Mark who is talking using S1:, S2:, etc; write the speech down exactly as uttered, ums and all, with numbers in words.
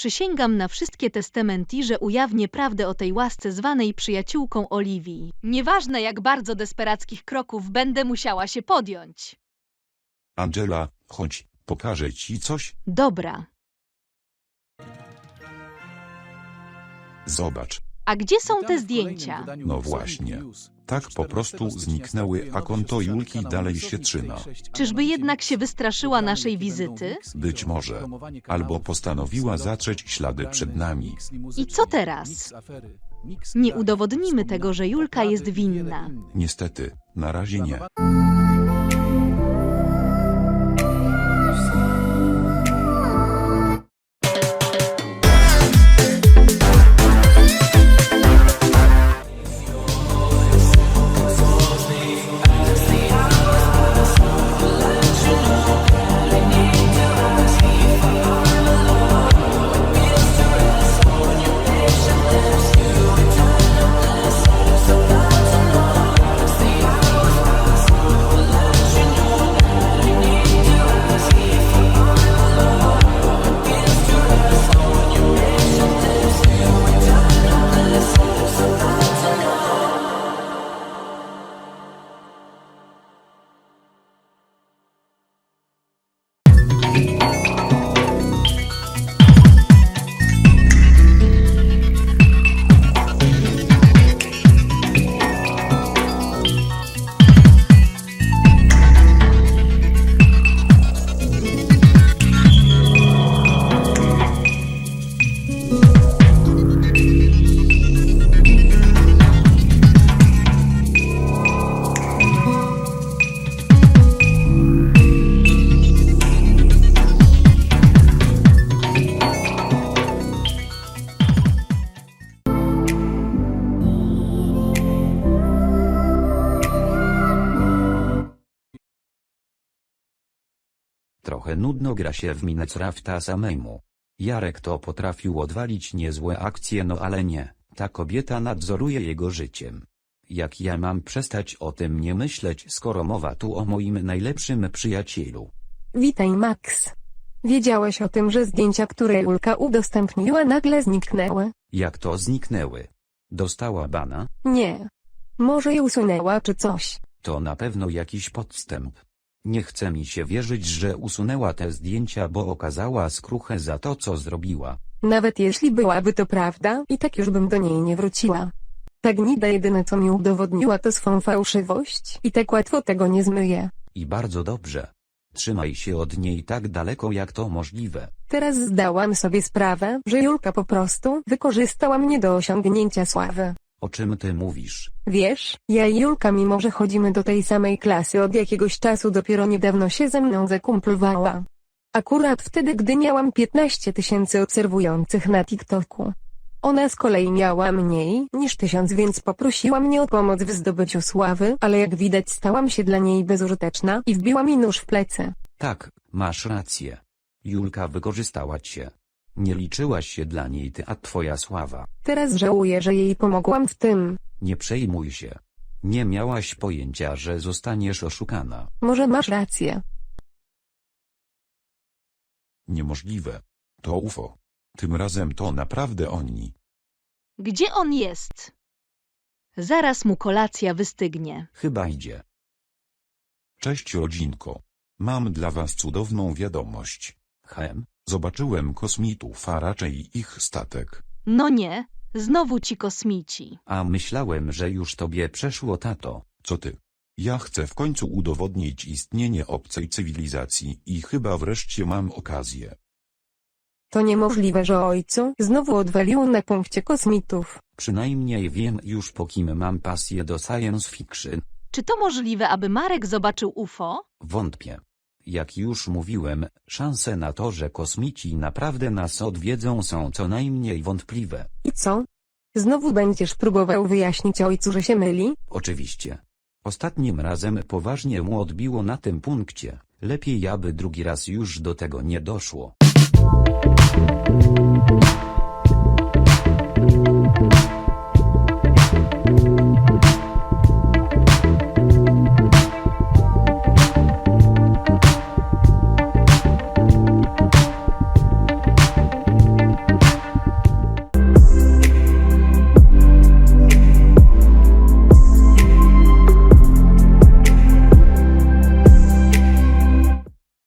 S1: Przysięgam na wszystkie testamenty, że ujawnię prawdę o tej łasce zwanej przyjaciółką Oliwii. Nieważne jak bardzo desperackich kroków będę musiała się podjąć.
S2: Angela, chodź, pokażę ci coś.
S1: Dobra.
S2: Zobacz.
S1: A gdzie są te zdjęcia?
S2: No właśnie. Tak po prostu zniknęły, a konto Julki dalej się trzyma.
S1: Czyżby jednak się wystraszyła naszej wizyty?
S2: Być może. Albo postanowiła zatrzeć ślady przed nami.
S1: I co teraz? Nie udowodnimy tego, że Julka jest winna.
S2: Niestety, na razie nie.
S3: Trochę nudno gra się w Minecrafta samemu. Jarek to potrafił odwalić niezłe akcje, no ale nie, ta kobieta nadzoruje jego życiem. Jak ja mam przestać o tym nie myśleć, skoro mowa tu o moim najlepszym przyjacielu?
S4: Witaj, Max. Wiedziałeś o tym, że zdjęcia, które Julka udostępniła, nagle zniknęły?
S3: Jak to zniknęły? Dostała bana?
S4: Nie. Może je usunęła czy coś.
S3: To na pewno jakiś podstęp. Nie chce mi się wierzyć, że usunęła te zdjęcia, bo okazała skruchę za to, co zrobiła.
S4: Nawet jeśli byłaby to prawda, i tak już bym do niej nie wróciła. Ta gnida jedyne co mi udowodniła to swą fałszywość i tak łatwo tego nie zmyję.
S3: I bardzo dobrze. Trzymaj się od niej tak daleko jak to możliwe.
S4: Teraz zdałam sobie sprawę, że Julka po prostu wykorzystała mnie do osiągnięcia sławy.
S3: O czym ty mówisz?
S4: Wiesz, ja i Julka, mimo że chodzimy do tej samej klasy od jakiegoś czasu, dopiero niedawno się ze mną zakumplowała. Akurat wtedy, gdy miałam piętnaście tysięcy obserwujących na TikToku. Ona z kolei miała mniej niż tysiąc, więc poprosiła mnie o pomoc w zdobyciu sławy, ale jak widać stałam się dla niej bezużyteczna i wbiła mi nóż w plecy.
S3: Tak, masz rację. Julka wykorzystała cię. Nie liczyłaś się dla niej ty, a twoja sława.
S4: Teraz żałuję, że jej pomogłam w tym.
S3: Nie przejmuj się. Nie miałaś pojęcia, że zostaniesz oszukana.
S4: Może masz rację.
S2: Niemożliwe. To U F O. Tym razem to naprawdę oni.
S1: Gdzie on jest? Zaraz mu kolacja wystygnie.
S3: Chyba idzie.
S2: Cześć rodzinko. Mam dla was cudowną wiadomość.
S3: Hem?
S2: Zobaczyłem kosmitów, a raczej ich statek.
S1: No nie, znowu ci kosmici.
S3: A myślałem, że już tobie przeszło, tato.
S2: Co ty? Ja chcę w końcu udowodnić istnienie obcej cywilizacji i chyba wreszcie mam okazję.
S4: To niemożliwe, że ojcu znowu odwalił na punkcie kosmitów.
S3: Przynajmniej wiem już, po kim mam pasję do science fiction.
S1: Czy to możliwe, aby Marek zobaczył U F O?
S3: Wątpię. Jak już mówiłem, szanse na to, że kosmici naprawdę nas odwiedzą, są co najmniej wątpliwe.
S4: I co? Znowu będziesz próbował wyjaśnić ojcu, że się myli?
S3: Oczywiście. Ostatnim razem poważnie mu odbiło na tym punkcie. Lepiej, aby drugi raz już do tego nie doszło.